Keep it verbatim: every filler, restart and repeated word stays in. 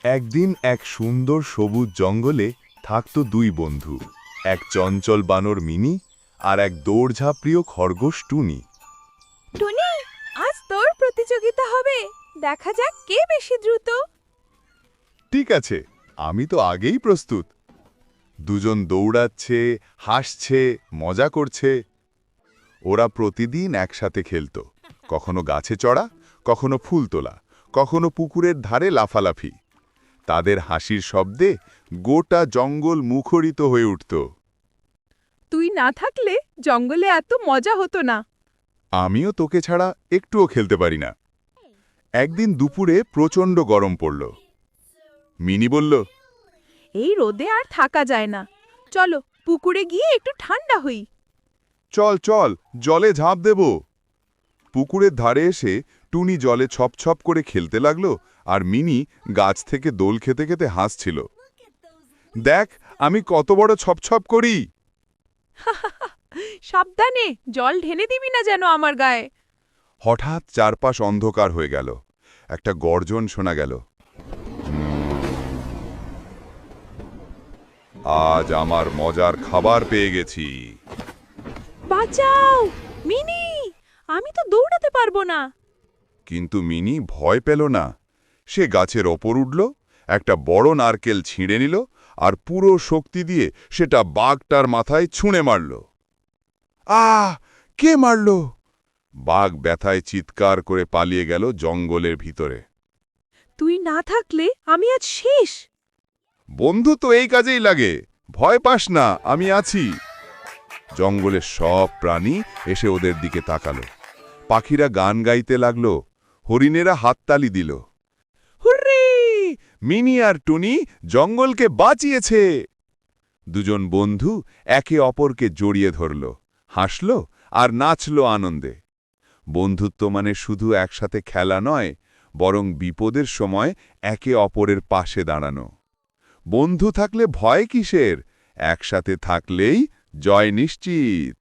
একদিন এক সুন্দর সবুজ জঙ্গলে থাকত দুই বন্ধু, এক চঞ্চল বানর মিনি আর এক দৌড়ঝাঁপ্রিয় খরগোশ টুনি। টুনি, আজ তোর প্রতিযোগিতা হবে। দেখা যাক কে বেশি দ্রুত। ঠিক আছে, আমি তো আগেই প্রস্তুত। দুজন দৌড়াচ্ছে, হাসছে, মজা করছে। ওরা প্রতিদিন একসাথে খেলত, কখনো গাছে চড়া, কখনো ফুল তোলা, কখনো পুকুরের ধারে লাফালাফি। তাদের হাসির শব্দে গোটা জঙ্গল মুখরিত হয়ে উঠত। তুই না থাকলে জঙ্গলে এত মজা হতো না। আমিও তোকে ছাড়া একটুও খেলতে পারি না। একদিন দুপুরে প্রচণ্ড গরম পড়ল। মিনি বলল, এই রোদে আর থাকা যায় না, চলো পুকুরে গিয়ে একটু ঠান্ডা হই। চল চল, জলে ঝাঁপ দেব। পুকুরের ধারে এসে টুনি জলে ছপছপ করে খেলতে লাগলো, আর মিনি গাছ থেকে দোল খেতে খেতে হাসছিল। দেখ আমি কত বড় ছপছপ করি। সাবধানে, জল ঢেলে দিবি না যেন আমার গায়ে। হঠাৎ চারপাশ অন্ধকার হয়ে গেল। একটা গর্জন শোনা গেল। আজ আমার মজার খাবার পেয়ে গেছি। বাঁচাও মিনি, আমি তো দৌড়াতে পারবো না। কিন্তু মিনি ভয় পেল না। সে গাছের ওপর উঠল, একটা বড় নারকেল ছিঁড়ে নিল, আর পুরো শক্তি দিয়ে সেটা বাঘটার মাথায় ছুঁড়ে মারল। আহ! কে মারল? বাঘ ব্যথায় চিৎকার করে পালিয়ে গেল জঙ্গলের ভিতরে। তুই না থাকলে আমি আজ শেষ। বন্ধু তো এই কাজেই লাগে, ভয় পাস না, আমি আছি। জঙ্গলের সব প্রাণী এসে ওদের দিকে তাকালো। পাখিরা গান গাইতে লাগলো, হরিণেরা হাততালি দিল। হুররে! মিনি আর টুনি জঙ্গলকে বাঁচিয়েছে। দুজন বন্ধু একে অপরকে জড়িয়ে ধরল, হাসল আর নাচল আনন্দে। বন্ধুত্ব মানে শুধু একসাথে খেলা নয়, বরং বিপদের সময় একে অপরের পাশে দাঁড়ানো। বন্ধু থাকলে ভয় কিসের? একসাথে থাকলেই জয় নিশ্চিত।